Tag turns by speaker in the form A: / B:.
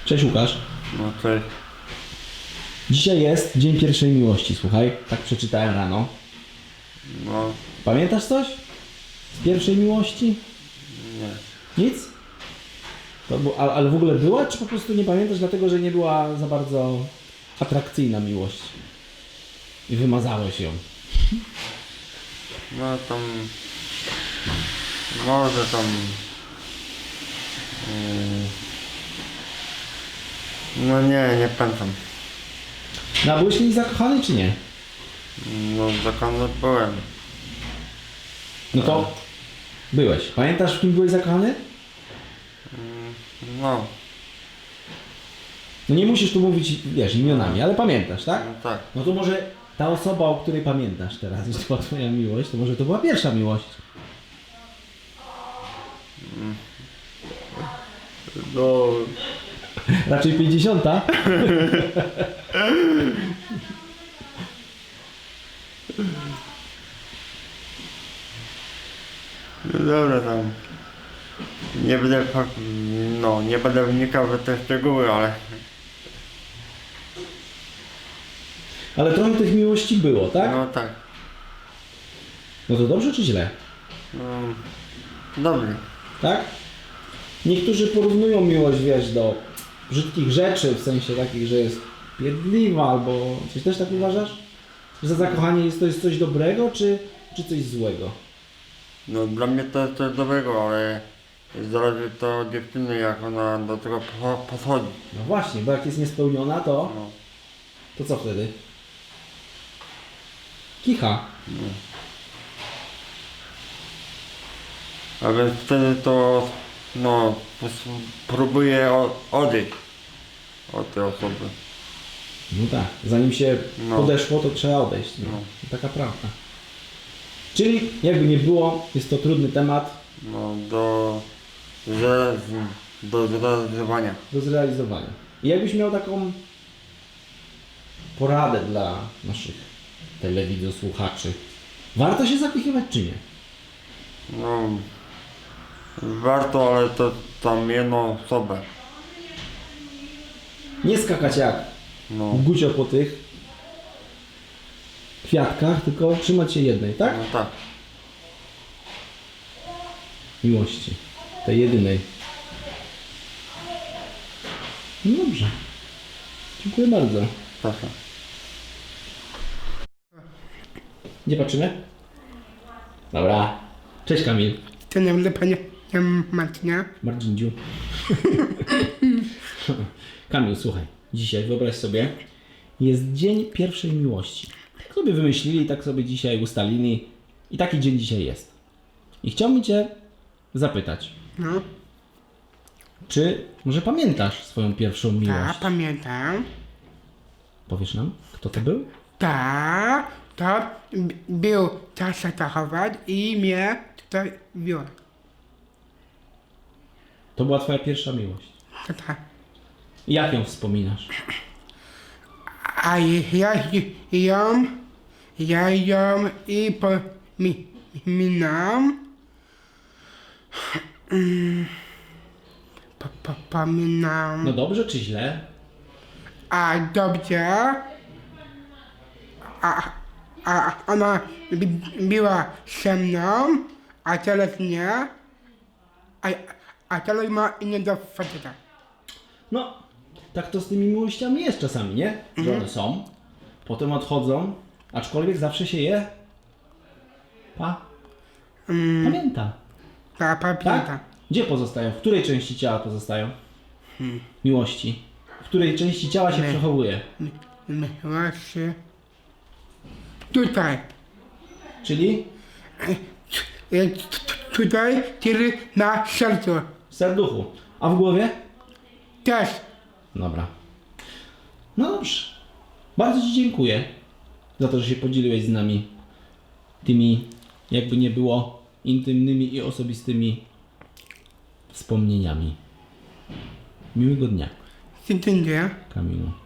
A: Cześć Łukasz.
B: No cześć.
A: Dzisiaj jest Dzień Pierwszej Miłości, słuchaj. Tak przeczytałem rano.
B: No
A: Pamiętasz coś z pierwszej miłości?
B: nie.
A: Nic? Ale w ogóle była, czy po prostu nie pamiętasz dlatego, że nie była za bardzo atrakcyjna miłość? I wymazałeś ją.
B: No tam... Może tam... No nie pamiętam.
A: No a byłeś w niej zakochany, czy nie?
B: No zakony byłem.
A: No to byłeś. Pamiętasz, w kim byłeś zakochany?
B: No,
A: No nie musisz tu mówić, wiesz, imionami, ale pamiętasz, tak?
B: no tak.
A: No to może ta osoba, o której pamiętasz teraz, jeśli to była twoja miłość, to może to była pierwsza miłość.
B: No...
A: Raczej 50.
B: No dobra tam. Nie będę... No, nie będę wnikał w te szczegóły, ale...
A: Ale trochę tych miłości było, tak?
B: No tak.
A: No to dobrze czy źle?
B: No... Dobrze.
A: Tak? Niektórzy porównują miłość, wiesz, do brzydkich rzeczy, w sensie takich, że jest pierdliwa, albo coś też tak uważasz? Że za zakochanie jest coś dobrego, czy coś złego?
B: No dla mnie to jest coś dobrego, ale... Zależy to od dziewczyny, jak ona do tego podchodzi.
A: No właśnie, bo jak jest niespełniona, to
B: No.
A: co wtedy? Kicha.
B: A więc wtedy to, no, próbuję odejść od tej osoby.
A: No tak, zanim się
B: No.
A: podeszło, to trzeba odejść. No.
B: No.
A: Taka prawda. Czyli jakby nie było, jest to trudny temat
B: No, do zrealizowania.
A: do zrealizowania. I jakbyś miał taką poradę dla naszych telewizosłuchaczy, warto się zakochywać czy nie?
B: No, warto, ale to tam jedną osobę.
A: Nie skakać jak
B: No,
A: gucio po tych kwiatkach, tylko trzymać się jednej, tak?
B: no tak.
A: Miłości. Tej jedynej. No dobrze. Dziękuję bardzo.
B: Proszę.
A: Gdzie patrzymy? Dobra. Cześć Kamil.
C: To nie będę panie Marcinia.
A: Mardzinciu. Kamil, słuchaj. Dzisiaj wyobraź sobie, jest Dzień Pierwszej Miłości. Tak sobie wymyślili, tak sobie dzisiaj ustalili i taki dzień dzisiaj jest. I chciałbym Cię zapytać,
C: No,
A: czy może pamiętasz swoją pierwszą
C: tak,
A: miłość?
C: pamiętam.
A: Powiesz nam, kto to był?
C: Tak, to był czas zachować i mnie tutaj wziął.
A: To była Twoja pierwsza miłość.
C: To tak.
A: I jak ją wspominasz?
C: A ja ją i pominam. Pominam.
A: No dobrze czy źle?
C: A dobrze. A ona była ze mną, a teraz nie. A teraz ma innego faceta.
A: No, tak to z tymi miłościami jest czasami, nie? Że one są, potem odchodzą, aczkolwiek zawsze się je pamięta.
C: Ta
A: Tak?
C: pamięta.
A: Gdzie pozostają? W której części ciała pozostają? Miłości. W której części ciała się przechowuje?
C: Właśnie. Tutaj.
A: Czyli
C: Tutaj, czyli na sercu.
A: w serduchu. A w głowie?
C: Też.
A: Dobra. No dobrze. Bardzo Ci dziękuję za to, że się podzieliłeś z nami tymi, jakby nie było, intymnymi i osobistymi wspomnieniami. Miłego dnia,
C: Dziękuję.
A: Kamilu.